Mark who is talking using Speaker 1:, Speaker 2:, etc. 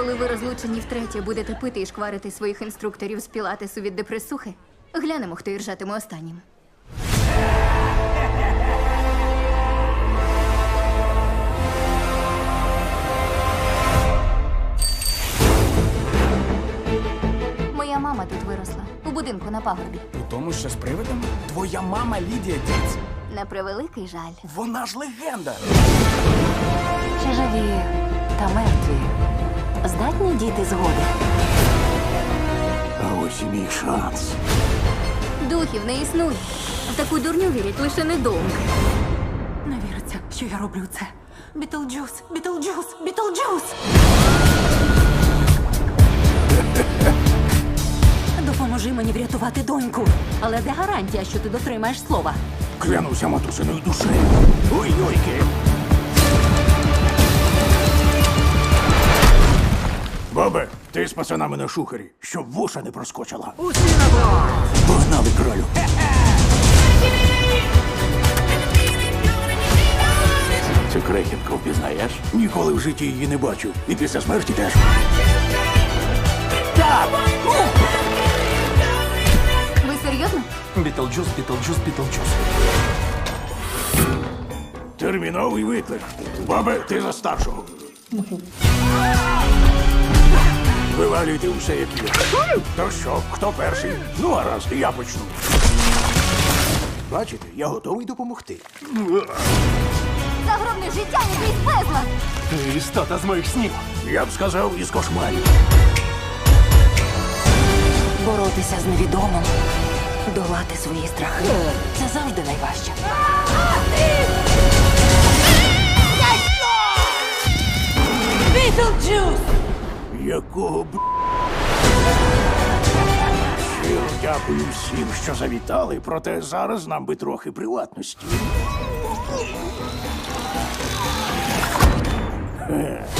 Speaker 1: Коли ви розлучені втретє будете пити і шкварити своїх інструкторів з пілатесу від депресухи, глянемо, хто іржатиме останнім. Моя мама тут виросла, у будинку на пагорбі.
Speaker 2: У тому, що з привидом? Твоя мама Лідія Діц.
Speaker 1: На превеликий жаль.
Speaker 2: Вона ж легенда.
Speaker 3: Чи живі та мертві здатні діти згоди?
Speaker 4: А ось і мій шанс.
Speaker 1: Духів не існує. В таку дурню вірять лише недовго.
Speaker 3: Не віриться, що я роблю це. Бітлджус, Бітлджус, Бітлджус! Допоможи мені врятувати доньку. Але де гарантія, що ти дотримаєш слова?
Speaker 4: Клянуся матусиною душею. Ой-ойки. Бабе, ти з пацанами на шухері, щоб вуша не проскочила.
Speaker 2: Усі на борт!
Speaker 4: Погнали, кролю. Цю крехітку впізнаєш? Ніколи в житті її не бачив. І після смерті теж. Так!
Speaker 1: Ви серйозно?
Speaker 2: Бітлджус, Бітлджус, Бітлджус.
Speaker 4: Терміновий виклик. Бабе, ти за старшого. Вивалюйте усе, як є. То що, хто перший? Ну, гаразд, я почну. Бачите, я готовий допомогти.
Speaker 1: Загробне життя якийсь безлад!
Speaker 2: Ти істота з моїх снів.
Speaker 4: Я б сказав, із кошмарів.
Speaker 3: Боротися з невідомим, долати свої страхи. Це завжди найважче. Бітлджус!
Speaker 4: Якого б... Щиро дякую всім, що завітали, проте зараз нам би трохи приватності.